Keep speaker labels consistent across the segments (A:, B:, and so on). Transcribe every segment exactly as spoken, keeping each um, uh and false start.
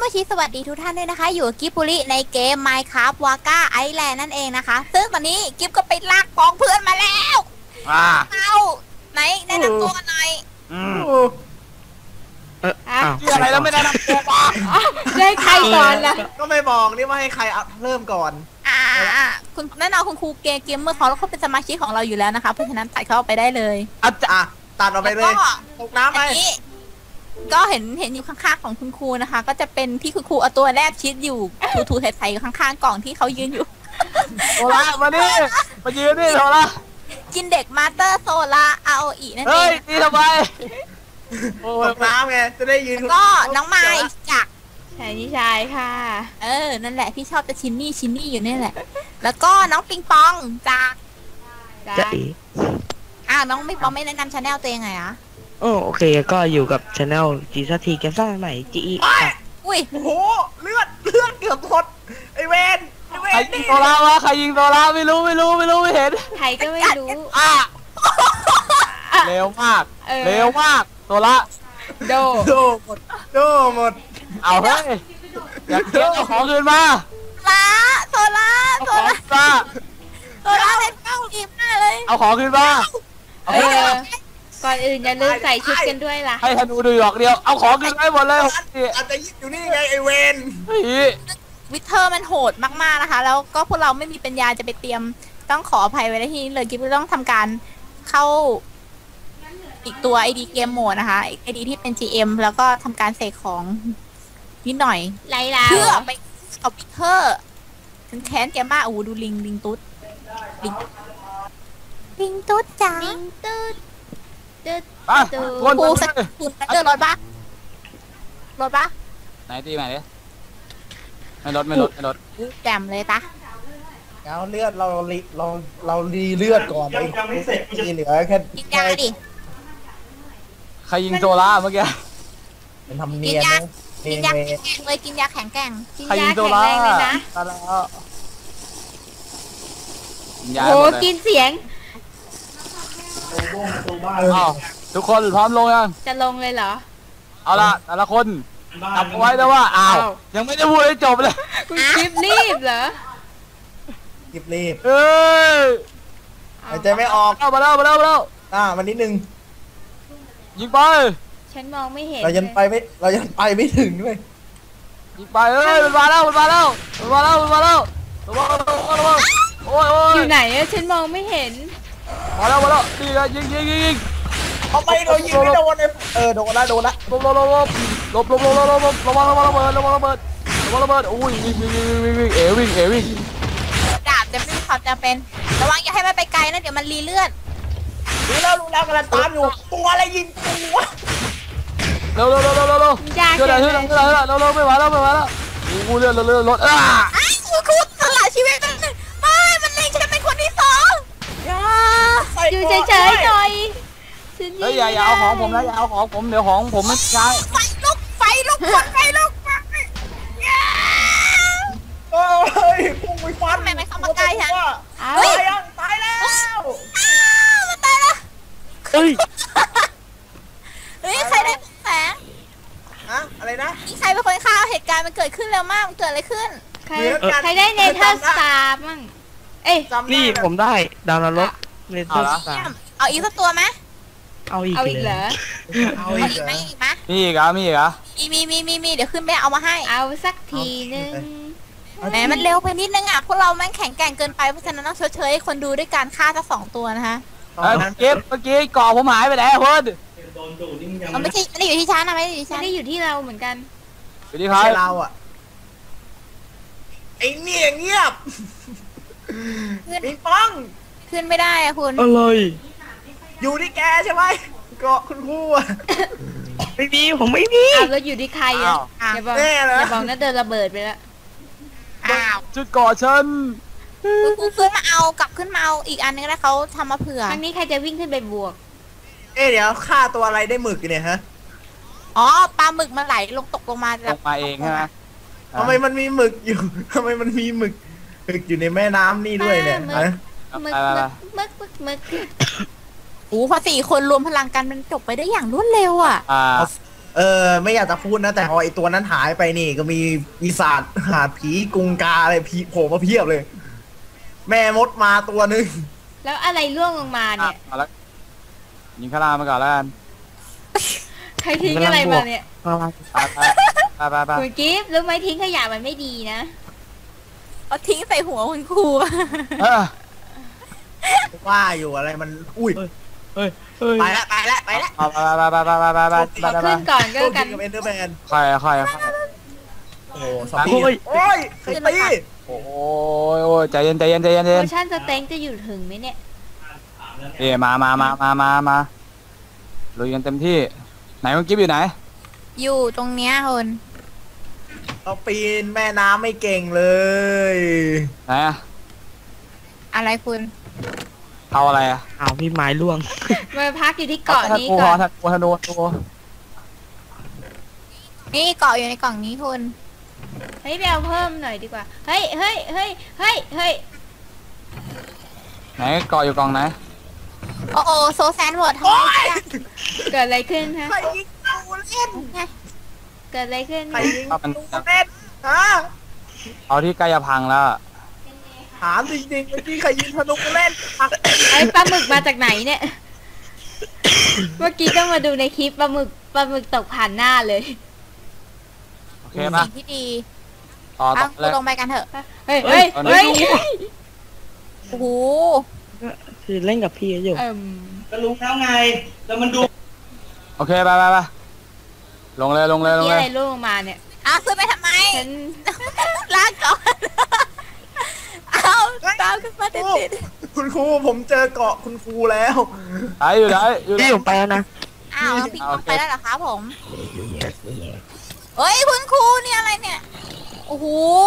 A: โมชิสวัสดีทุกท่านด้วยนะคะอยู่กับกิฟบุริในเกม Minecraft Waka Island นั่นเองนะคะซึ่งตอนนี้กิฟก็ไปลากกองเพื่อนมาแล้วเอาไหนแนะนำตัวกันหน่อย
B: อืม
C: เอออ้าว
B: อะไรแล้วไม่แนะนำตัวบ้าง
D: ได้ใครก่อนล่ะ
B: ก็ไม่บอกนี่ว่าให้ใครเริ่มก่อน
A: อ่าคุณแน่นอนคุณครูเกมเกมเมื่อเขาแล้วเขาเป็นสมาชิกของเราอยู่แล้วนะคะเพราะฉะนั้นตัดเข้าไปได้เลย
B: อาจารย์ตัดออกไปเลยตกน้ำไป
A: ก็เห็นเห็นอยู่ข้างๆของคุณครูนะคะก็จะเป็นที่คุณครูเอาตัวแรกชิดอยู่ถูๆไถๆอยู่ข้างๆกล่องที่เขายืนอยู่
B: โซล่ามาดิมายืนดิโซล่า
A: กินเด็กมาสเตอร์โซล่าอาโออีนั่นเอง
B: เฮ้ยนี่ทำไมตกน้ำไงจะได้ยืน
A: ก็น้องไม้จาก
D: ชายนิชายค่ะ
A: เออนั่นแหละพี่ชอบจะชินนี่ชินนี่อยู่นี่แหละแล้วก็น้องปิงปองจาก
C: จะอี
A: อ่าน้องปิงปองไม่แนะนำชาแนลตัวยังไงอะ
C: โอ้โอเคก็อยู่กับช anel จีซัทีเกมสร้างใหม่จีอี
A: อุ้ย
B: โอ้โหเลือดเลือดเกือบหมดไอเวนใครยิงโซล่าวะใครยิงโซล่าไม่รู้ไม่รู้ไม่รู้ไม่เห็น
D: ใครก็ไม่รู้
B: อ่ะเร็วมากเร็วมากโซล่า
D: โด
B: โดหมดโดหมดเอาเฮ้ยอยากเก็บเอาของคืนมา
A: ลาโซล่าโซล่าโซล่าเล่นเก้าอีกมากเลย
B: เอาของคืนมา
D: เออก่อนอื่นอย่าลืมใส่ชุดกันด้วยล่ะ
B: ให้ธนูดูหยอกเดียวเอาของคืนให้หมดเลยอาจจะอยู่นี่ไงไอเวน
A: วิเทอร์มันโหดมากๆนะคะแล้วก็พวกเราไม่มีปัญญาจะไปเตรียมต้องขออภัยไว้ที่นี้เลยกิ๊บต้องทำการเข้าอีกตัว ไอ ดี เกมโหมดนะคะ ไอ ดี ที่เป็น จี เอ็ม แล้วก็ทำการเสกของนิดหน่อย
D: ไล่แล้ว
A: เพื่อไปเอาวิเทอร์ฉันแค้นแกมากโอ้ดูลิงลิงตุ๊ดลิงลิงตุ๊ดจ้า
D: ลิงตุ๊ดตุ๊ด
B: ตุ๊ด
A: ครูสักคุณเดินรถปะรถปะ
B: ไหนตีไหนดิไม่รถไม่รถไม่รถ
A: แจมเลยตา
B: เอาเลือดเราเราเรารีเลือดก่อนไอ้ที่เหลือแค่
A: กินยาดิ
B: ใครยิงโซล่าเมื่อกี้เป็นทำเนียนนะ
A: กินยาแข็งแกร่งเลยกินยาแข็งแกร่ง
D: กินยาแข็งแรงเลยนะโอ้กินเสียง
B: ทุกคนพร้อมลงยัง
D: จะลงเลยเหรอ
B: เอาละแต่ละคนจำไว้นะว่าอ้าวยังไม่ได้พูดให้จบเลย
D: คุณรีบรีบเหรอ
B: รีบรีบเอ้ยหายใจไม่ออกเข้ามาแล้วมาแล้วมาแล้วอ่ามันนิดนึงยิงไป
D: ฉันมองไม่เห็น
B: เรายังไปไม่เรายังไปไม่ถึงเลยยิงไปเอ้ยมันมาแล้วมันมาแล้วมันมาแล้วมันมาแล้วระวังระวังระวังโอ้ยโอ้ย
D: อยู่ไหนอะฉันมองไม่เห็น
B: มาแล้วมาแล้วดีนะยิงยิงยิงยิงทำไมเรายิงไม่โดนเลยเออโดนละโดนละลบลบลบลบลบลบลบลบลบระวังระวังระเบิดระวังระเบิดระวังระเบิดโอ้ยวิ่งวิ่งวิ่งวิ่งวิ่งเอ๋วิ่งเอ๋วิ่ง
A: ดาบจะไม่มีความจำเป็นระวังอย่าให้มันไปไกลนะเดี๋ยวมันรีเลือด
B: รู้แล้วรู้แล้วกำลังตามอยู่ตัวอะไรยิงตัวเร็วเร็วเร็วเร็วเร็วเร็วเร็วเร็วเร็วเร็วเร็วเร็วเร็วไม่ไหวแล้วไม่ไหวแล้วกูเลือดเลือดรถอ่ะ
A: คุณครูสละชีวิตมันไม่มันเล็งฉันเป็นคนที่สอง
D: อยู่เฉยๆหน่อย
B: เฮ้ยอย่าอย่าเอาของผมนะอย่าเอาของผมเดี๋ยวของผมไม่ใช่
A: ไฟลุกไฟลุกไฟลุก
B: โอ้ยพุ่งไปฟัน
A: ไม่ไม่เข้ามาใกล้ฉัน
B: ตายยังตายแล้ว
A: มันตายแล้ว
C: เฮ้ย
A: เฮ้ยใครได้แสง
B: อะอะไรนะ
A: นี่ใครเป็นคนฆ่าเหตุการณ์มันเกิดขึ้นเร็วมากมันเกิดอะไรขึ้น
D: ใครใครได้เนเธอร์สตาร์มั่งเอ้ย
C: นี่ผมได้ดาวนรกเนเธอร์สตาร์
A: เอาอีกสักตัวไหม
C: เอาอีก
D: เอาอีกเหรอ
A: เอาอีกไหมอีกไหม
B: มีอีกอ่ะมีอีกอ่ะ
A: มีมีมีมีมีเดี๋ยวขึ้นไปเอามาให้
D: เอาสักทีนึง
A: แหมมันเร็วไปนิดนึงอ่ะพวกเราแม่งแข็งแกร่งเกินไปเพราะฉะนั้นต้องชดเชยให้คนดูด้วยการฆ่าทั้งสองตัวนะคะ
B: เมื่อกี้เมื่อกี้ก่อผมหายไปไหนเพื่อน
A: มันไม่ใช่ไม่ได้อยู่ที่ชั้นนะไม่ได้อยู่ที่ชั้น
D: ไม่ได้อยู่ที่เราเหมือนกัน
B: อยู่ที่ใครเราอ่ะไอ้เนี่ยเงียบปิงปอง
A: ขึ้นไม่ได้อะคุณ
C: อะไร
B: อยู่ที่แกใช่ไหมเกาะคุณครูอ่ะ
C: ไม่มีผมไม่มี
D: แล้วอยู่ที่ใครอ่ะอย่าบอกอย่าบอกนะเดินระเบิดไปแล้ว
A: อ้าว
B: จุดเกาะฉัน
A: ครูขึ้นมาเอากลับขึ้นมาเอาอีกอันนึงแล้วเขาทำมาเผื่อ
D: ครั้งนี้ใครจะวิ่งขึ้นไปบวก
B: เอ๊ะเดี๋ยวฆ่าตัวอะไรได้หมึกเนี่ยฮะ
A: อ๋อปลาหมึกมันไหลลงตกลงมา
B: ลงมาเองใช่ไหมทำไมมันมีหมึกอยู่ทำไมมันมีหมึกหมึกอยู่ในแม่น้ำนี่ด้วยเนี่ย
D: หมึกหมึกหมึกหมึก
A: โอ้พอสี่คนรวมพลังกันมันจบไปได้อย่างรวดเร็วอ่ะ
B: อ่าเออไม่อยากจะพูดนะแต่พอไอตัวนั้นหายไปนี่ก็มีปีศาจหาผีกุงกาอะไรผีโผล่มาเพียบเลย แม่มดมาตัวหนึง
D: แล้วอะไรร่วงลงมาเนี่ย
E: เอาละยิงข้างล่างมาก่อนแล้วกัน
D: ใครทิ้งอะไรมาเนี่ย
C: ประมาณ
E: ไปไปไปไป
D: คุณกิฟต์รู้ไหมทิ้งขยะมันไม่ดีนะ
A: เอาทิ้งใส่หัวคุณครู
E: เออ
B: ว่าอยู่อะไรมันอุ้ย
C: เฮ้ยเฮ้ย
B: ไปละไปละไปละ
E: เอาไปไปไปไปไปไปไป
B: ขอ
E: ไป
D: ขึ้นก่อนก็
B: โช
D: แล้ว
B: ค
D: กั
B: ดี
D: น
B: กับเอนเดอร์แมน
E: ค่อยค่อยค่อย
B: โอ้โหสปีดโอ้ยใครตี
E: โอ้ยโอ้ยใจเย็นใจเย็นใจเย็นใจ
D: โพ
E: เย็น
D: ชั่นสเต็งจะอยู่ถึงไหมเนี่ย
E: เอ๋มามามามามามาลุยกันเต็มที่ไหนคุณกิ๊บอยู่ไหน
A: อยู่ตรงเนี้ยคุณ
B: เราปีนแม่น้ำไม่เก่งเลย
E: ไหนอะ
A: อะไรคุณ
E: เอาอะไรอะ
C: อ้าวพี่ไม้ล่วง
D: มาพักอยู่ที่เกาะนี้
E: กู
D: ก่อน
E: ทันกูทันโดนกู
A: นี่เกาะอยู่ในกล่องนี้คุณ
D: เฮ้ยไปเอาเพิ่มหน่อยดีกว่า เฮ้ยเฮ้ยเฮ้ยเฮ้ยเฮ้ย
E: ไหนเกาะอยู่กองไหน
A: โอ้โอโซแซนเวิร์ดทำไมเนี่ย
D: เกิดอะไรขึ้นฮะ
B: ใครยิงกูเล่น
A: ไง
D: เกิดอะไรขึ้น
B: ใครยิงกูเล่นฮะ
E: เอาที่ใกล้จะพังแล้ว
B: ถามจริงๆเมื่อกี้ใครยิงธนูกูเล่นอ่ะ
D: ไอ้ปลาหมึกมาจากไหนเนี่ย เมื่อกี้ต้องมาดูในคลิปปลาหมึกปลาหมึกตกผ่านหน้าเลย
E: โอเคป่ะ
A: สิ่งที่ดี
E: ต่อต่
A: เอา
E: อ
A: คุ
E: เล
A: ณ
E: ย
A: ลงไปกันเถอะ
D: เฮ้ยเฮ้ย
E: เฮ้
D: เฮ้
E: ย
D: ย
A: โอ้โห
C: คือเล่นกับพี่อยู่
D: เอิ่ม
F: ก็รู้แล้วไง แล้วมันดู
E: โอเคไปไปไปลงเลยลงเลยลง
D: นี่
E: เล
D: อะไร
E: ย
D: ร่วงลงมาเนี่ย
A: อ้าวขึ้นไปทำไม
D: ฉัน
A: ลากก่อน เอาตามขึ้นมาติดติด
B: คุณครูผมเจอเกาะคุณครูแล้ว
E: ไหนอยู่ไหนอยู่ไหน
C: พี่ผมไปแล้วนะ
A: ๆอ้าวพี่
E: เอา
A: ล
E: โอง เค
A: ไปแล้วเหรอคะผมเฮ้ยคุณครูเนี่ยอะไรเนี่ย โอ้โห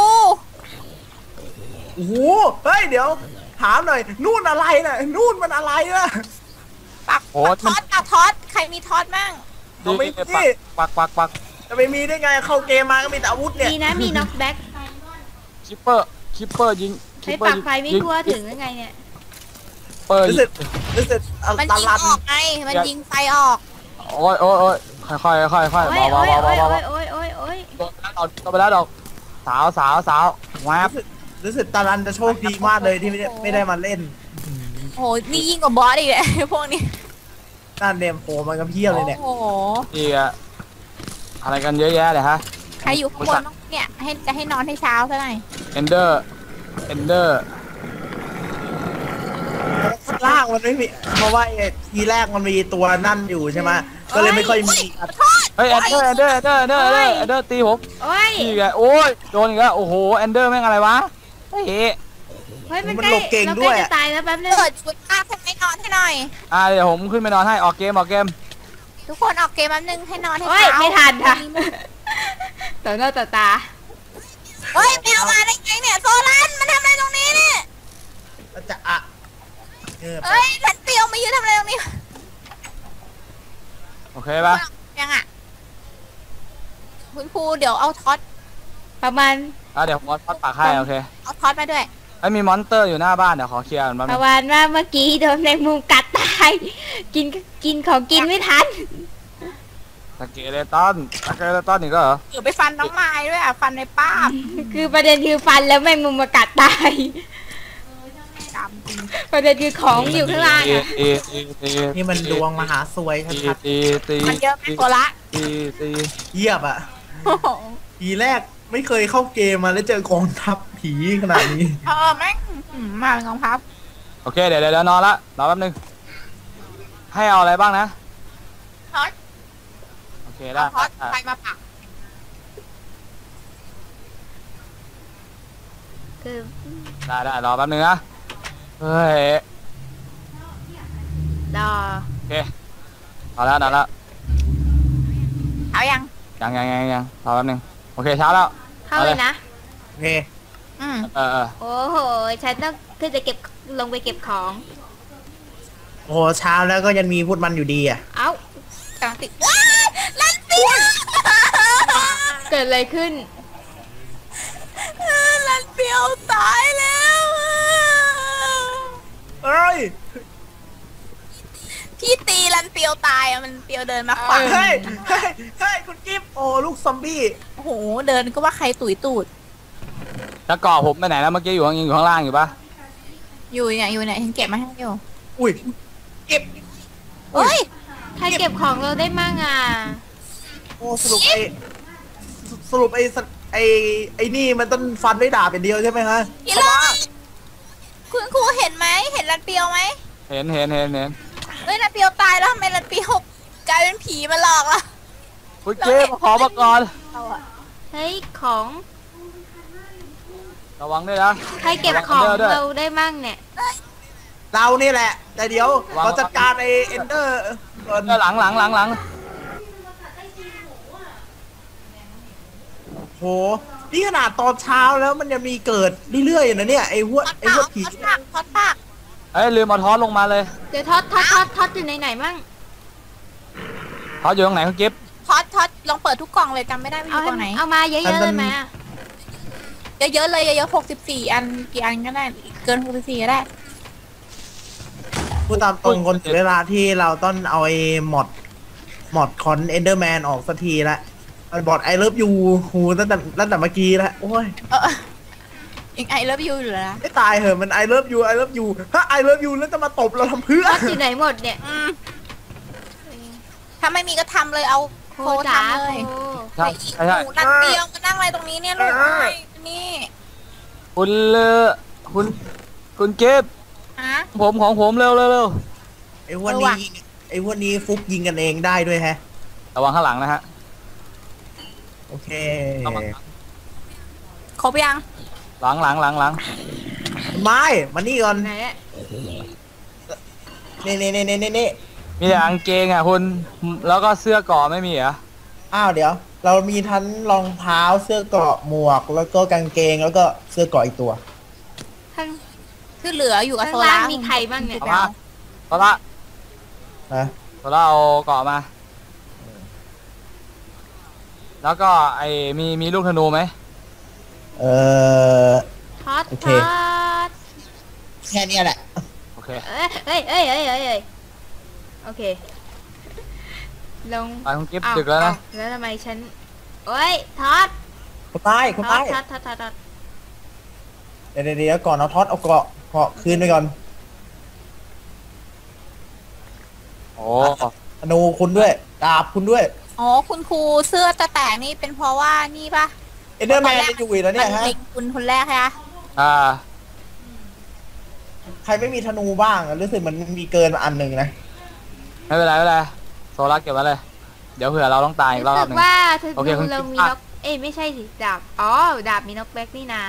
B: โอ้โหเฮ้ยเดี๋ยว ถามหน่อย นู่นอะไรน่ะนู่นมันอะไรน่ะ
A: ปัก
E: โอ้
A: ทอดปักทอดใครมีทอดมั่ง
B: เอาไม่มี
E: ปักปักปัก
B: จะไปมีได้ไงเข้าเกมมาก็มีแต่อาวุธเนี่ย
D: ดีนะมีน็อกแบ็ก
E: คิปเปอร์คิปเปอร์ยิงคิ
D: ใช้
E: ปเปอ
D: ปั
E: ร์
D: ก
E: ยิง
D: ไฟไม่ทั่วถึงยังไงเนี่ย
E: เปอร์
B: รู้สึกรู้สึกอัล
A: มัน
B: ต
A: ยิง
B: ลัน
A: ออกไง มันยิงไฟออก
E: โอ้ยโอ้ยโอ้ยค่อยค่อยค่อยค่อย
D: โอ้
E: เบาย เบา
D: โอ้ย
E: เบา
D: โอ้ย
E: เบา
D: โอ้ยโอ้ยโอ้ยโอ้ย
E: โดนไปแล้วดอกโดนไปแล้วดอกสาวสาวสาวแวบ
B: รู้สึกรู้สึกตาลันจะโชคดีมากเลยที่ไม่ได้ไม่ได้มาเล่น
A: โอ้โห นี่ยิ่งกว่าบอสอีกเลย พวกนี้
B: นั่นเนมโผล่มันก็เพี้ยเลยเนี่ย
A: โอ้โห
E: อีกอะอะไรกันเยอะแยะเลยฮะ
A: ใครอยู่ข้างบนบ้างเนี่ย ให้จะให้นอนให้เช้าซะหน่อย
E: เอนเดอร์เอนเดอร์
B: ข้างล่างมันไม่มี เพราะว่าไอ้ทีแรกมันมีตัวนั่นอยู่ใช่ไหมก็เลยไม่ค่อยมี
E: เฮ้ยเอนเดอร์เอนเดอร์เอนเดอร์เอนเดอร์เอนเดอร์ตีผม
D: โอ้ย
E: อีกอะโอ้ยโดนอีกแล้วโอ้โหเอนเดอร์แม่งอะไรวะเฮ้ย
D: เฮ้ยมัน
B: มัน
D: ใกล้
B: หลบเก่ง
D: เรา
B: ด้
D: ใก
B: ว
D: ล้
B: ย
D: จะตายแล้วแป๊บนึง
A: เปิดชุดภาพให้นอนให้หน่อย
E: อ่าเดี๋ยวผมขึ้นไปนอนให้ออกเกมออกเกม
A: ทุกคนออกเกมแป๊บนึงให้นอนให้
D: โอ้ย
A: เช้า
D: ไม่ทันค่ะต่อหน้าต่อตา
A: เฮ้ยไปเอามาได้ไงเนี่ยโซลันมันทำอะไรตรงนี้เนี่ย
B: จะอะเออ
A: เฮ้ยลันเปียวมายืนทำอะไรตรงนี้
E: โอเคป่ะ
A: ยังอ่ะ คุณครูเดี๋ยวเอาท็อต
D: ประมาณ
E: อ่ะเดี๋ยวผมทอดปากให้โอเค
A: เอาท็อตมาด้วย
E: ไอ้ยมีมอนสเตอร์อยู่หน้าบ้านเดี๋ยวขอเคลียร์ก่อนแป๊บ
D: ป
E: นึ
D: ระ
E: ง
D: มาณว่าเมื่อกี้โดนแมงมุมกัดตาย กินกินของกินไม่ทัน
E: สเกเลตันสเกเลตันอีกแล้วเหรอ
A: เดี๋ยวไปฟันน้องไม้ด้วยอ่ะ ฟันในป้าบ
D: คือประเด็นคือฟันแล้วแมงมุมมากัดตาย
A: จำจริง
D: ประเด็นคือของอยู่ข้างล่าง
E: ตี
D: อะ
E: ตีตีตี
B: นี่มันดวงมหาสวย
E: ตี
B: ชัด
E: ตีตี
A: มันเยอะไหมโกละ
E: ตีตี
B: ๆเยียบอ่ะ
A: โอ้โห
B: ทีแรกไม่เคยเข้าเกมมาแล้วเจอกองทัพผีขนาดนี้
A: เออแม่งอืมมาเป็นกองพับ
E: โอเคเดี๋ยวเดี๋ยวเดี๋ยวนอนละรอแป๊บนึงให้เอาอะไรบ้างนะ
A: ท็อต
E: โอเคได้
A: เอาท็อตไฟมาปัก
D: คือ
E: ได้ได้รอแป๊บนึงนะเฮ้ย
D: รอ
E: โอเคเอาแล้วนอนแล้ว
A: เอายัง
E: ยังยังยังยังรอแป๊บนึงโอเคเช้าแล้ว
D: เข้าเลยนะ
B: โอเค
A: อืม
E: เออเออ
D: โอ้โห ฉันต้องขึ้นไปเก็บลงไปเก็บของ
B: โอ้โหเช้าแล้วก็ยังมีพูดมันอยู่ดีอ่ะ
D: เอ้าก
A: ำลังติดว้ายลันเปียว
D: เกิดอะไรขึ้น
A: ลันเปียวตายแล้วอะ
B: เอ้ย
A: พี่ตีลันเปียวตายายอะมันเปียวเดินมาขวาง
B: เฮ้ยเฮ้ยเฮ้ยคุณกิฟต์โอ้ลูกซอมบี้
A: โอ้โหเดินก็ว่าใครตุ๋ยตูด
E: แล้วก่อผมไปไหนแล้วเมื่อกี้อยู่ข้างอยู่ข้างล่างอยู่ปะ
A: อยู่เนี่ยอยู่เนี่ยฉันเก็บมาให้อยู่
B: อุ้ยเก็บ
A: เฮ้ย
D: ใครเก็บของเราได้มั่งอ่ะ
B: โอ้สรุปไอ้สรุปไอ้สัตว์ไอ้ไอ้นี่มันต้องฟันด้วยดาบเป็นเดียวใช่ไหมฮะ
A: อีเลยคุณครูเห็นไหมเห็นรันเปียวไหม
E: เห็นเห็นเห็นเห็น
A: เฮ้ยรันเปียวตายแล้วทำไมรันเปียวกลายเป็นผีมาหลอกล่ะ
E: คุณเจ๊มาขอมาก่อน
A: เราอะ
D: เฮ้ยของ
E: ระวังด้วยนะ
D: ใครเก็บของเราได้มั่งเนี่ย
B: เรานี่แหละ แต่เดี๋ยวเราจัดการไอ้เอนเดอร์ก่อน
E: เออหลังหลังหลังหลัง
B: โหนี่ขนาดตอนเช้าแล้วมันยังมีเกิดเรื่อยๆนะเนี่ยไอ้หัว
A: ทอด
B: ไอ้
A: ปา
B: หัว
A: ก
B: ผี
A: ทอดปากทอดปาก
E: เอ้ยลืมเอาทอสลงมาเลย
D: เดี๋ยวท็อตท็อตท็อตท็อตอยู่ไหนไหนมั่ง
E: ทอสอยู่ตรงไหนคุณกิฟต์
A: ทอดทอดลองเปิดทุกกล่องเลยจำไม่ได้ว่าอ
D: เอา
A: ยู่ก
D: ให้
A: ล่องไหน
D: เอามาเยอะๆเลยไหมอะ
A: เยอะๆเลยเยอะๆหกสิบสี่อันกี่อันก็ได้เกินหกสิบสี่ก็ได้
B: พูดตามตรงคนถึงเวลาที่เราต้องเอาไอ้มอดมอดคอนเอนเดอร์แมนออกสักทีละมันบอดไอเลิฟยูหูตั้งแต่ตั้งแต่เมื่อกี้แล้วโอ้ย
A: เออยังไอเลิฟยูอยู่เลยนะ
B: ไม่ตายเหอะมันไอเลิฟยูไอเลิฟยูถ้าไอเลิฟยูแล้วจะมาตบเราทำเพื่อ
D: ท็อตอยู่ไหนหมดเนี่ย
A: อืมถ้าไม่มีก็ทำเลยเอา
D: โค
A: โค
D: จ๋า
A: ทำเลย
D: โค
E: ใช่ใช่ใช่
A: หนูนัดเดียวมานั่งอะไรตรงนี้เนี่ยลูกนี่
E: คุณเลอคุณคุณกิฟต์
A: ฮะ
E: ผมของผมเร็วเร็วเร็ว
B: ไอ้พวก
A: เออ
B: นี้
A: ว่ะ
B: ยิงไอ้พวกนี้ฟุกยิงกันเองได้ด้วยแฮะ
E: ระวังข้างหลังนะฮะ
B: โอเค
E: ระวัง
A: ครบยัง
E: หลังหลังหลังหลัง
B: ไม่มานี่ก่อน
D: ไหนอะ
B: นี่นี่นี่นี่นี่
E: มีแต่กางเกงอ่ะคุณแล้วก็เสื้อเกราะไม่มีเหรอ
B: อ้าวเดี๋ยว เรามีทั้งรองเท้าเสื้อเกราะหมวก แล้วก็กางเกงแล้วก็เสื้อเกราะอีกตัว
D: ข้าง
A: ที่เหลืออยู่กับ
D: ข้าง
A: โซ
D: ล่า
A: ล่าง
D: มีใครบ้างเนี่ย
E: เอามาโซล่า
B: นะ
E: โซล่าเอาเกราะมา แล้วก็ไอ้มีมีลูกธนูไหม
B: เออ
D: ท็อต
B: โอเค
D: ท็อต
B: แค่เนี้ยแหละ
E: โอเค
D: เอ้ยเอ้ยเอ้ยเอ้ยเอ้ยเอ้ยโอเค ลง
E: ไปคุณกิฟต์
D: อ้า
E: ดึกแล้วนะ
D: อ้าแล้วทำไมฉันโอ้ยท็อต
B: คุณใต้คุณ
D: ท็อ
B: ใต้
D: ตท็อตท็อตท็อตท็อต
B: เดี๋ยวเดี๋ยวเดี๋ยวก่อนเอาท็อตเอาเกราะเกราะคืนไปก่อน
E: โอ้
B: ธนูคุณด้วยดาบคุณด้วย
A: อ๋อคุณครูเสื้อจะแตกนี่เป็นเพราะว่านี่ปะ
B: เอนเดอร์แมนจะอยู่อีกแล้วเนี่ย
A: มั
B: ฮะ
A: เล็งคุณคนแรกฮะ
E: อ่า
B: ใครไม่มีธนูบ้างอะรู้สึกมันมีเกินมาอันหนึ่งนะ
E: ไม่เป็นไรไม่เป็นไรโซล่าเก็บไว้เลย เดี๋ยวเผื่อเราต้องตายอีกร
D: รู้
E: อบ
D: สึ
E: ห
D: ก
E: นึ่ง
D: ว่าเธอ
E: โอเค
D: ดู
E: คุณ
D: เรา
E: คิด
D: มี
E: อ่ะ
D: นกเอ้ยไม่ใช่สิดาบอ๋อดาบมีนกแบ็กนี่นา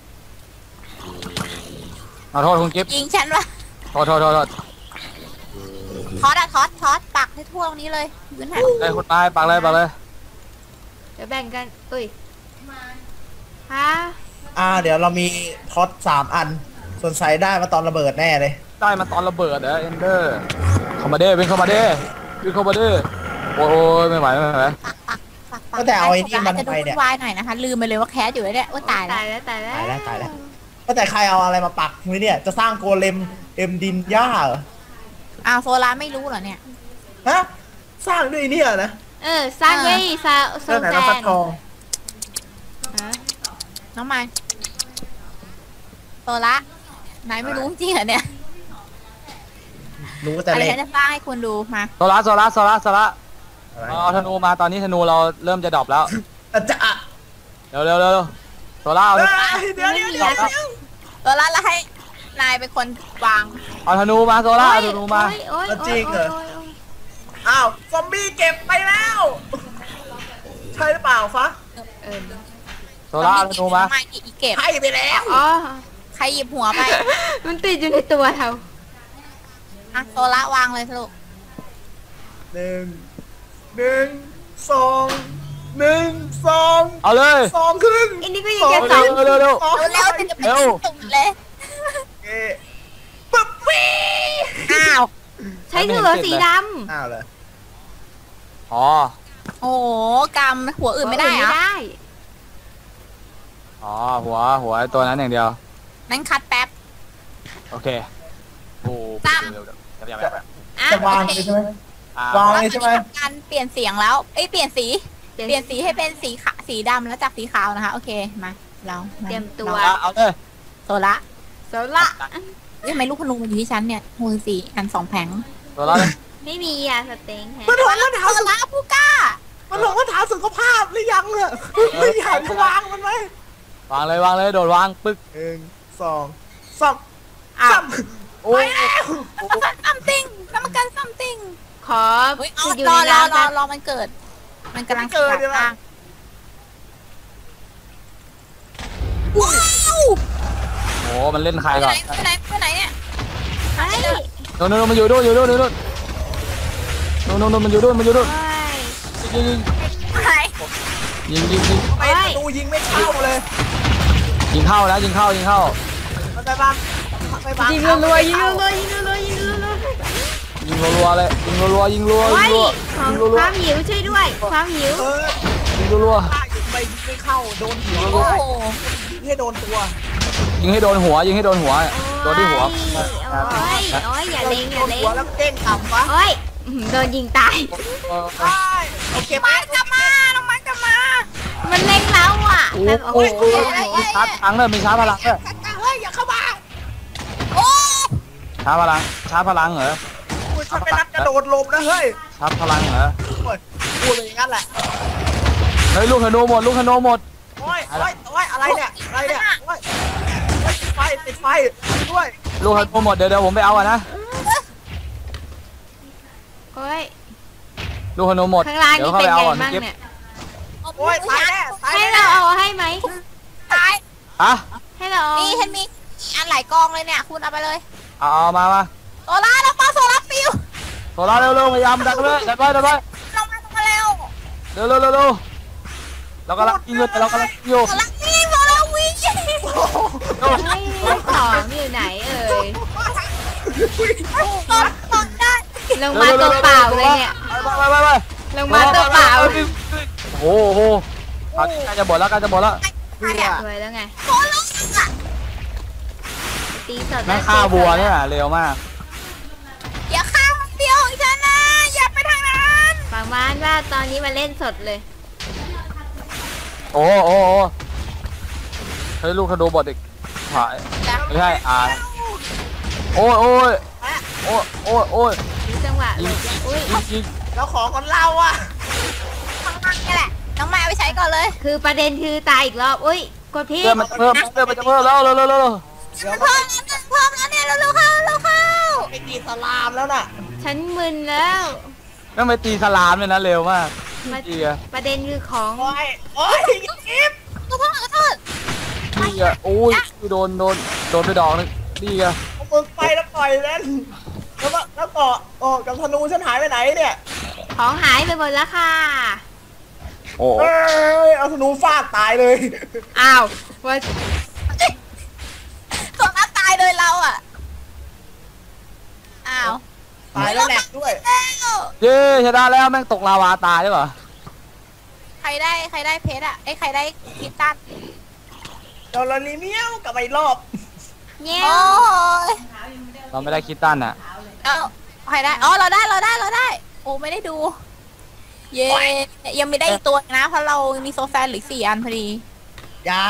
E: ขอโทษคุณกิฟต์
A: ยิงฉันวะ
E: โทษโทษโทษโทษ
A: ทอดอะทอดทอดปักให้ทั่วตรงนี้เลยยืนหัน
E: ได้คุณไม้ปักเลยปักเลย
D: เดี๋ยวแบ่งกันเอ้ยฮะ
B: อ่า เดี๋ยวเรามีท็อตสามอัน ส่วนใส่ได้มาตอนระเบิดแน่เลย
E: ได้มาตอนระเบิดเหรอเอนเดอร์เข้ามาเด้เป็นเข้ามาเด้เป็นเข้ามาเด้โอ้ยไม่ไหวไม่ไหว
A: ปักปักปักปัก
B: ก็แต่เอาไอ้นี่มัน
A: จะดู
B: ไปเนี่ย
A: วุ่นวายหน่อยนะคะ ลืมไปเลยว่าแคสอยู่แล้วเนี่ยว่าตายแล้
D: ตายว แล้วตายแล้ว
B: ตายแล้วตายแล้ว ก็แต่ใครเอาอะไรมาปักมือเนี่ย จะสร้างโกเลมเอ็มดินย่าเหรอ
A: อ้าวโซลาไม่รู้เหรอเนี่ย
B: ฮะ สร้างด้วยเนี่ยนะ
D: เออสร้างด้วยซาโซ
B: เรื่องไหน
D: แซ
B: เราฟัด
D: น
B: ทอง
D: ฮะ
A: น้องไม้โซละนายไม่รู้จริงเหรอเนี่ย
B: รู้แต่
A: อะไร
B: เล็ก
A: ฉันจะสร้างให้คุณดูมา
E: โซล่าโซล่าโซล่าโซล่า
B: อะไร
E: เอาธนูมาตอนนี้ธนูเราเริ่มจะดรอปแล้ว
B: อาจจะอ่ะ
E: เร็วเร็วเร็วเร็วโซล่าเอา
B: เอ้ยเดี๋ยวเดี๋ยวเดี๋ยวเดี๋ยว
A: โซละแล้วให้นายเป็นคนวาง
E: เอาธนูมาโซล่าเอาธนูมา
D: โอ้ยโอ้ยโอ้ยโอ้ยโอ้ยโอ้ย
B: อ้าว ซอมบี้เก็บไปแล้ว ใช่หรือเปล่าฟะ
D: เออ
E: โซล่าเอาธนูมา
A: ทำไมอีกเก็บ
B: ให้ไปแล้ว
D: อ๋อ
A: ใครหยิบหัวไป
D: มันติดอยู่ในตัวเรา
A: อ่ะโซละวางเลยสรุป
B: หนึ่ง หนึ่ง สอง หนึ่ง สอง
E: เอาเลย
B: สองครึ่ง
D: อันนี้ก็ยังแค่สอง
E: เร็วเร็วเร็ว
B: สอง
A: เร็วๆจะไป
E: เร็ว
A: ตุ่มเลย
B: เอ๊ะปึ๊บปี้
A: อ้าว
D: ใช้เสือสีด
B: อ้าวเลย
E: อ๋อ
A: โอ้โหกำหัว
D: ำ
A: อื่นไม่ได้เหร
D: ไม่
A: อ
D: ได้
E: อ๋อหัวหัวไอ้ตัวนั้นอย่างเดียว
A: นั่นคัดแป๊บ
E: โอเคโอ้
A: ตั้ม
E: เร็วเร็วเร็วเร็วเร็วเร็ว
A: อ่ะ
B: จะวาง
A: โอ
B: เล
A: เค
B: ยใช่ไหม
E: ออ่าว
B: างเลยใช่ไหม
A: การเปลี่ยนเสียงแล้ว เอ้ยเปลี่ยนสี เปลี่ยนสีให้เป็นสีขาวสีดำแล้วจากสีขาวนะคะ โอเค มาเราา
D: เตรียมตัว
E: เอาเอาเลย
A: โซละ
D: โซล่า
A: เฮ้ยทำไมลูกพนุงมันอยู่ที่ฉันเนี่ยมือสีอันสองแผง
E: ตัวเราเลย
D: ไม่มีอ่ะสเต็งแฮะ
B: มันถอดรองเท้า
A: โซ
B: สุ
A: ละผู้กล้า
B: มันถอดรองเท้าสุขภาพหรือยังเนี่ยไม่อยากจะวางมันไหม
E: วางเลยวางเลยโดดวางปึ๊ก
B: หนึ่งสองสาม
D: อ้าว
B: สาม
E: โอ้ย
A: กรรมการซัมติงกรรมการซัมติง
D: ขอ
A: เฮ้ยเอา
D: อยู่
A: รอ
D: ใน
A: รอ
D: น้ำ
A: รอ
D: นะ
A: รอมันเกิด มันกำลัง
B: เกิดเนี่ย
A: ร่างว้าว
E: โอ้มันเล่นใคร
A: ไป
E: ก่
A: ไห
E: อน น
A: ไปไหนไปไหนเนี่ย
D: เฮ้ย
E: โน่นโน่นมันอยู่ด้วยอยู่ด้วยอยู่ด้วยโน่นโน่นมันอยู่ด้วยมันอยู่ด้วย
D: เฮ้ย
E: ยิงยิง
A: ไหน
E: ยิงยิงยิง
B: ไปประตูยิงไม่เข้าเลย
E: ยิงเข้านะยิงเข้ายิงเข้า
B: มันไปบ้างไปบ้าง
D: ยิงรัวๆยิงรัวๆยิงรัวๆยิงรัว
E: ยิงรัวๆเลยยิงรัวๆยิงรัว
D: ๆ
E: ๆ
D: เฮ้
E: ยิ
D: ย
E: งรัว
D: ของความหิวช่วยด้วย ความหิว
B: เออ
E: ๆยิงรัว
B: ป้ายิงไปยิงไม่เข้าโดนหัว
A: โอ้โห
B: ยิงให้โดนตัว
E: ๆยิงให้โดนหัวยิงให้โดนหัวโดนที่หัว
D: โอ้ยโอ้ยอย่าเล็งอย่า
B: โดน
D: เล็ง
B: หัวแล้วเด้งต่ำวะ
D: โอ้ยอื้อหือโดนยิงตาย
E: เออ
B: ใช่โอเคไหม
A: มันกลับมาน้องมันกลับมา
D: มันเล็งเราอ่ะ
E: โอ้
D: แบบ
E: โห
D: โอ้โห
E: มีชาร์จพลังเลยมีชาร์จพลังเลย
B: เฮ้ยอย่าเข้ามา
A: โอ้
E: ชาร์จพลังชาร์จพลังเหรอ
B: คุณฉันไม่นับกระโดดหลบนะเฮ้ย
E: ชาร์จพลังเหรอ
B: โอ้ยพูดไปอย่างนั้นแหละ
E: เฮ้ยลูกธนูหมดลูกธนูหมด
B: โอ้ยโอ้ยโอ้ยอะไรเนี่ยอะไรเนี่ยโอ้ยติดไฟติดไฟด้วย
E: ลูกธนูหมดเดี๋ยวเดี๋ยวผมไปเอาอ่ะนะ
D: โอ้ย
E: ลูกธนูหมด
D: ข้างล่าง
E: เดี๋ยว
D: นี่
E: เข้า
D: เป็น
E: ไปเอา
D: ไง
E: ก่อน
D: มั่ง
E: เก็บ
D: เนี่ย
B: โอ้ยตายแน่ตาย
D: ให้
B: แน่
D: เราเอาให้ไหม
A: ตาย
E: ฮะ
D: ให้เราเอา
A: นี่ฉันมีอันหลายกองเลยเนี่ย คุณเอาไปเลย
E: เอาเอามามา
A: โซล่าเรามาโซล่าฟิว
E: โซล่าเร็วเร็วพยายามดันไปดันไปดันไป
A: เรามาตรงมาเร็ว
E: เร็วเร็วเร็วเร็วเรากำลังยิงอยู่เรากำลังยิงอยู่
A: โซล่าวิ่งโซล่าวิ่ง
E: เร็ว
D: เฮ้ยของอยู่ไหนเอ่ย
A: ตอนตอนได้
D: ลงมาตัวเปล่าเลยเนี่ย
E: ไปไปไปไป
D: ลงมาตัวเปล่า
E: โอ้โหใกล้จะหมดแล้วใกล้จะหมดแล้ว
A: ใครอะ
D: สวยแล้วไง
A: โซล่าอะ
D: ตีสด
E: แม่ฆ่าบัวเนี่ยเร็วมาก
A: อย่าข้ามเดียวของฉันนะอย่าไปทางนั้น
D: ประมาณว่าตอนนี้มาเล่นสดเลย
E: โอ้โอ้โอ้เฮ้ยลูกธนูบอดอีกหายไม่ใช่อ่าโอ้ยโอ้ยโอ้ยโอ้ยโอ้ย
D: ดูจังหวะเลยอุ้ย
E: ยิงยิง
B: แล้วของของเราอ่ะ
A: ข้างล่างนี่แหละน้องแม่เอาไปใช้ก่อนเลย
D: คือประเด็นคือตายอีกรอบ อุ้ย กดพี่
E: เลือดมันจะเพิ่มเลือดมันจะเพิ่มแล้วเร็วเร็วเร็วเร็ว
B: เดี๋ยว
A: เพิ่มแล้วเพิ่มแล้วเนี่ยเร็วๆเข้าเร็วเข้า
B: ไปตีสลามแล้วน่ะ
D: ฉันมึนแล้ว
E: ไม่ไปตีสลามเลยนะเร็วมาก
D: มา
E: ดีอะ
D: ประเด็นคือของ
B: โอ้ยโอ้ยยิบ
A: ขอโทษขอโทษ
E: ดีอะโอ้ยโดนโดนโดนไปดอกนึงดีอะ
B: เอามือไปแล้วปล่อยเล่นแล้วก็แล้วก็โอ้กับธนูฉันหายไปไหนเนี่ย
D: ของหายไปหมดแล้วค่ะ
E: โอ้
B: เอ้ยเอาธนูฟาดตายเลย
D: อ้าวว่า
A: โซล่าตายเลยเราอ่ะอ้าว
B: ตายแล้วแหลกด้วย
A: แล้ว
E: เย้ชนะแล้วแม่งตกลาวาตายได้ปะ
A: ใครได้ใครได้เพชรอ่ะไอ้ยใครได้กิฟตัน
B: โดนลาลีเมียวกลับมาอีกรอบ
D: เงี้ย
A: โอ้ย
E: เราไม่ได้คิดตันอะ
A: เอาใครได้อ๋อเราได้เราได้เราได้ โอ้ไม่ได้ดู เย้ยังไม่ได้อีกตัวนะเพราะเรามีโซแฟนเหรือสี่อันพอดี
B: อย่า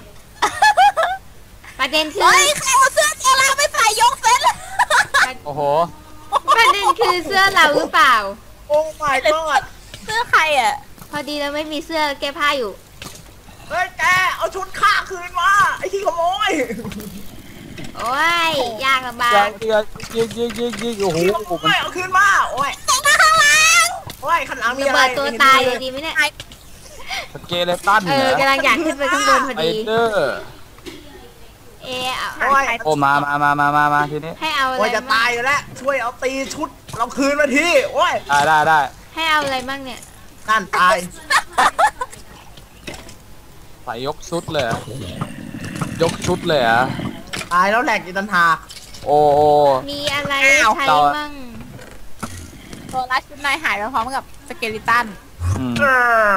D: ประเด็นคือ
A: เฮ้ยใครเอาเสื้อโซล่าไปใส่ยกเซตเลย
E: โอ้โห
D: ประเด็นคือเสื้อเราหรือเปล่า
B: โอ้ my god
A: เสื้อใครอ่ะ
D: พอดีเราไม่มีเสื้อแก้ผ้าอยู่
B: เฮ้ยแกเอาชุดข้าคืนมาไอ้ที่ขโมย
D: โอ้ย ยากลำบา
E: ยิ
D: ก
E: งยิงยิงยิงยิงยิงโอ้โห
B: ที่ขโมยเอาคืนมาโอ้ย
A: ส่งมาข้างหลัง
B: โอ้ยข้างหลังมี
D: ระ
B: อะไร
D: เบิดตัวตายเลยดีไหมเนี่ย
E: สเกเลตัน
D: เอ
E: เหร
D: อ
E: อก
D: ำลังอยากขึ้นไปข้างบนพอ
E: ไฟ
D: ดี
E: เดอร์
D: เออเอา
B: โอ้ย
E: โอ้มามามามามามาทีนี้
D: ให้เอาอะไร
B: โอ้ยจะ
D: มั่
B: ตาง ยอยู่แล้วช่วยเอาตีชุดเราคืนมาทีโอ้ย
E: ได้ได้ได้
D: ให้เอาอะไรมั่งเนี่ย
B: นั่นตาย
E: ใส่ยกชุดเลยเหรอ ยกชุดเลยเหรอ่ะ
B: ตายแล้วแหลกอีกตันหาก
E: โอ้โอ้
D: มีอะไร
A: อ้าว
D: ใช้
E: เรา
D: มั่ง
A: โซล่าชุดนายหายไปพร้อมกับสเกลิตัน
E: อืม
B: เออ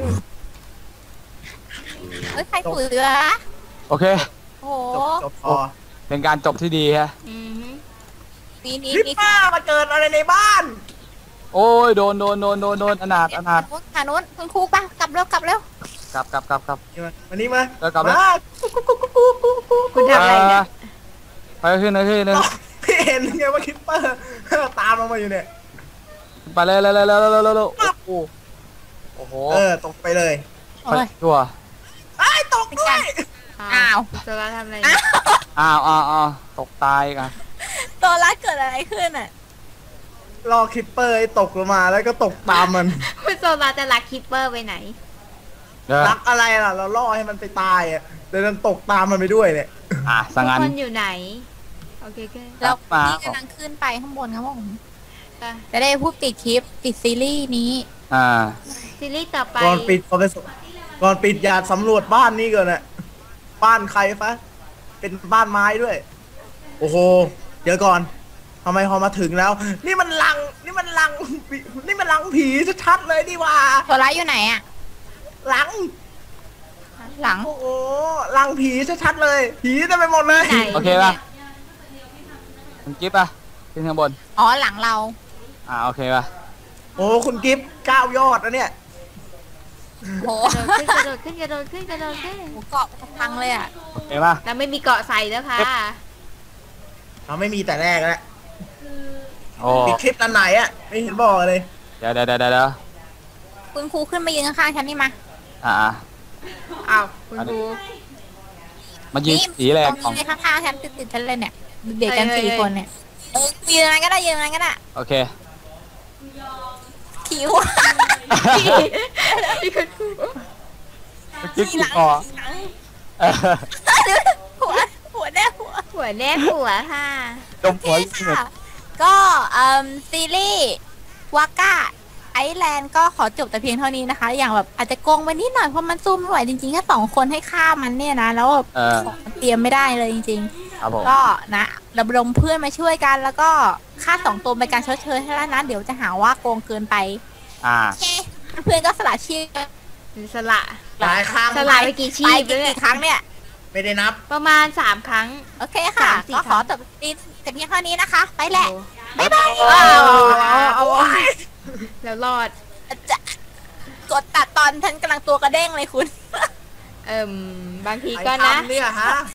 A: เฮ้ยใครถูเรือ
E: โอเค
A: โอ้โห
B: จบจบพอ
E: เป็นการจบที่ดีฮะ
D: อือหือ
A: ปีนี้
B: ลิป
A: นี่
B: ป้ามาเกิดอะไรในบ้าน
E: โอ้ยโดนโดนโดนโดนโดนอนาถอนาถ
A: ทางนู้นคุณครูปะกลับเร็วกลับเร็ว
E: กลับกลับกลับกลับ
B: มานี่มา
E: แล้วกลับแล้ว
B: มา
D: คุณทำอะไรเนี่ย
E: ไปขึ้นเลยขึ้นเลย
B: พี่เห็นไงว่าคิปเปอร์ตามเรามาอยู่เนี่ย
E: ไปเลยเลยเลยเลยเลยเลยเลยโอ้โหโอ้โห
B: เออตกไปเลย
A: โอ้ย
E: ชัว
B: ไอ้ตกด้วย
A: อ้าว
D: โซล่าทำอะไรเนี่ย
E: อ้าวอ้าวอ้าวตกตายกัน
A: ตัวรักเกิดอะไรขึ้นอ่ะ
B: รอคิปเปอร์ให้ตกลงมาแล้วก็ตกตามมัน
D: คุณโซล่าจะลักคิปเปอร์ไปไหน
E: เด้อ
B: รักอะไรล่ะ เราล่อให้มันไปตายอ่ะเดี๋ยวมันตกตามมันไปด้วยเนี่ย
E: อ่ะสัง
D: ทุก
E: งัน
D: คนอยู่ไหน โอเคโอเค
A: เรา
E: มา
A: พี่กำลังขึ้นไปข้างบนครับผม
D: อ่ะ
A: จะได้พูดติดคลิปติดซีรีส์นี้
E: อ่า
D: ซีรีส์ต่อไป
B: ก่อนปิดก่อนไปสก่อนปิดอย่าสำรวจบ้านนี้ก่อนนะบ้านใครฟะเป็นบ้านไม้ด้วย โอ้โหเดี๋ยวก่อนทำไมพอมาถึงแล้ว นี่มันลังนี่มันลังนี่มันลังผีชัดๆเลยนี่หว่า
A: ตัวร้ายอยู่ไหนอ่ะ
B: ลัง
A: หลัง
B: โอ้โหลังผีชัดๆเลย ผีเต็มไปหมดเลย
D: ไหน
E: โอเคป่ะคุณกิ๊บป่ะขึ้นข้างบน
A: อ๋อหลังเรา
E: อ่าโอเคป่ะ
B: โอ้คุณกิฟต์เก้ายอดนะเนี่ย
A: โห
D: กระโดดขึ้นกระโดดขึ้นกระโดดขึ้นกระโดดขึ้น
A: หมูเกาะพังเลยอ่ะ
E: โอเคป่ะ
D: เราไม่มีเกาะใส่แล้วค่ะ
B: เราไม่มีแต่แรกแล้ว
E: โอ้
B: ปิดคลิปอันไหนอ่ะไม่เห็นบอกเลย
E: เดี๋ยวเดี๋ยวเดี๋ยวเดี๋ยว
A: คุณครูขึ้นมายืนข้างๆฉันนี่มา
E: อ่าอ่า
D: อ้าวคุณครู
E: มายืนสีแรก
A: ต
E: ขอ
A: รง
E: ง
A: นี้เลยข้างๆฉันติดๆฉันเลยเนี่ยเด็กกัน
D: เอ้ย
A: สี่
D: เอ้ย
A: คนเนี่ยเออยืนอะไรก็ได้ยืนอะไรก็ได้
E: โอเค
A: คิ้ว
D: ที่คุณครู
E: กิ๊บ
A: ที
E: กิ๊
A: ห
E: บ
A: ลัง
E: คอ
A: ทีหลัง
E: เออ
A: หัวหัวแน่หัว
D: หัวแนบหัวค่ะ
E: จมหัว
A: โอเคค่ะก็เอ่อซีรีส์วาก้าไอแลนด์ก็ขอจบแต่เพียงเท่านี้นะคะ อย่างแบบอาจจะโกงไปนิดหน่อยเพราะมันสู้ไม่ไหวจริงๆแค่สองคนให้ฆ่ามันเนี่ยนะ แล้วแบบ
E: เออ
A: ของมันเตรียมไม่ได้เลยจริง
E: ครับผม
A: ๆ ก็นะระดมเพื่อนมาช่วยกัน แล้วก็ค่าสองตัวเป็นการชดเชยให้แล้วนะเดี๋ยวจะหาว่าโกงเกินไป
E: อ่า
A: โอเคเพื่อนก็สละชีพ
D: สละ
B: หลายครั้ง
D: สละไปกี่ชี
A: ไป
D: พแล้วเนี่
A: กี่
D: ย
A: ครั้งเนี่ย
B: ไม่ได้นับ
D: ประมาณสามครั้ง
A: โอเคค่ะ
D: สามสี่
A: ก็
D: ค
A: ข
D: รั้
A: อง จบซีรีส์แต่เพียงเท่านี้นะคะ ไปแหละ
D: โอ้
A: บ๊ายบาย
D: เอาเอาเอาแล้วรอด
A: จะกดตัดตอนฉันกำลังตัวกระเด้งเลยคุณ
D: เอิ่มบางที
B: ใคร
D: ก็นะ
B: ทำเนี่ยฮะ